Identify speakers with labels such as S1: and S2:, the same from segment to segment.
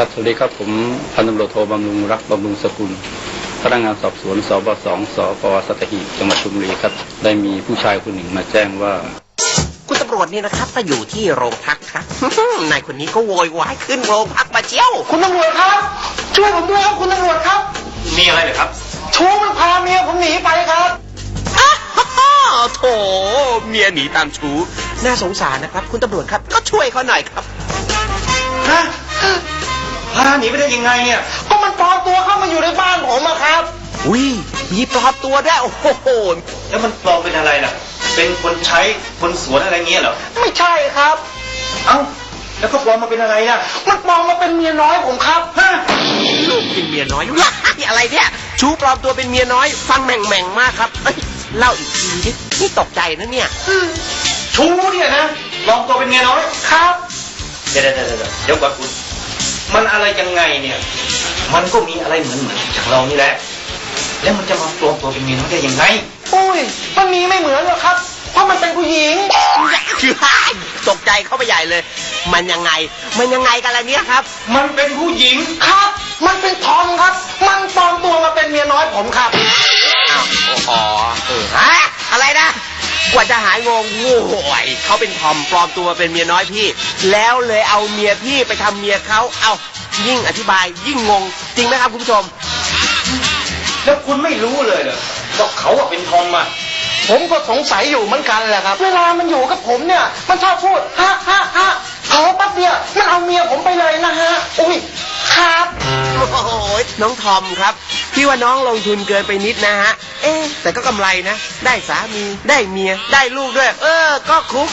S1: ครับสวัสดีครับผมพันตำรวจโทบำรุงรักบำรุงสกุลพนักงานสอบสวนสบ2 สปสัตหีบจังหวัดชลบุรีครับได้มีผู้ชายคนหนึ่งมาแจ้งว่า
S2: คุณตำรวจนี่นะครับมาอยู่ที่โรงพักครับ นายคนนี้ก็โวยวายขึ้นโรงพักมาเจียว
S3: คุณตำรวจครับช่วยผมด้วยครับคุณตำรวจครับ
S4: มีอะไรเหรอครับ
S3: ชู้มันพาเมียผมหนีไปครับ
S2: โถเมียหนีตามชู้น่าสงสารนะครับคุณตำรวจครับก็ช่วยเขาหน่อยครับ
S4: ฮะพาหนีไปได้ยังไงเนี่ย
S3: ก็มันปลอมตัวเข้ามาอยู่ในบ้านผมอะครับ
S2: อุ้ยมีปลอมตัวด้วยโอ้โห
S4: แล้วมันปลอมเป็นอะไรล่ะเป็นคนใช้คนสวนอะไรเงี้ยเหรอ
S3: ไม่ใช่ครับ
S4: เอ้าแล้วก็ปลอมมาเป็นอะไรล่ะ
S3: มันปลอมมาเป็นเมียน้อยผมครับ
S2: ฮะลูกเป็นเมียน้อยอะไรเนี่ยชู้ปลอมตัวเป็นเมียน้อยฟังแหม่งมากครับเล่าอีกทีดินี่ตกใจนะเนี่ย
S4: ชู้เนี่ยนะปลอมตัวเป็นเมียน้อย
S3: ครับ
S4: เดี๋ยวก่อนคุณมันอะไรยังไงเนี่ยมันก็มีอะไรเหมือนจากเรานี่แหละแล้วมันจะมาปลอมตัวเป็นเมียน้อยได้ยังไง
S3: อุ้ยมันมีไม่เหมือนหรอกครับเพราะมันเป็นผู้หญิง
S2: ตกใจเข้าไปใหญ่เลยมันยังไงกันล่ะเนี่ยครับ
S4: มันเป็นผู้หญิง
S3: ครับมันเป็นทอมครับมันปลอมตัวมาเป็นเมียน้อยผมครับ
S2: อ้าวอ๋อฮะอะไรนะกว่าจะหายงงโว้ยเขาเป็นทอมปลอมตัวเป็นเมียน้อยพี่แล้วเลยเอาเมียพี่ไปทำเมียเขาเอายิ่งอธิบายยิ่งงงจริงไหมครับคุณผู้ชม
S4: แล้วคุณไม่รู้เลยเหรอว่าเขาเป็นทอมอ่ะ
S3: ผมก็สงสัยอยู่เหมือนกันแหละครับเวลามันอยู่กับผมเนี่ยมันชอบพูดฮะขอปั๊บเดียวมันเอาเมียผมไปเลยนะฮะอุ้ยครับ
S2: โอ้โหน้องทอมครับพี่ว่าน้องลงทุนเกินไปนิดนะฮะแต่ก็กำไรนะได้สามีได้เมียได้ลูกด้วยก็คุ้ม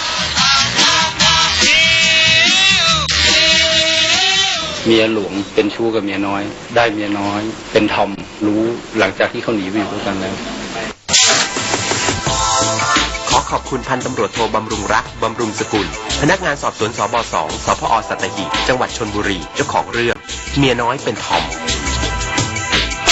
S1: เมียหลวงเป็นชู้กับเมียน้อยได้เมียน้อยเป็นทอมรู้หลังจากที่เขาหนีไปอยู่ด้วยกันแล้ว
S2: ขอขอบคุณพันตำรวจโทบำรุงรักบำรุงสกุลพนักงานสอบสวนสบ2 สพสัตหีบจังหวัดชลบุรีเจ้าของเรื่องเมียน้อยเป็นทอม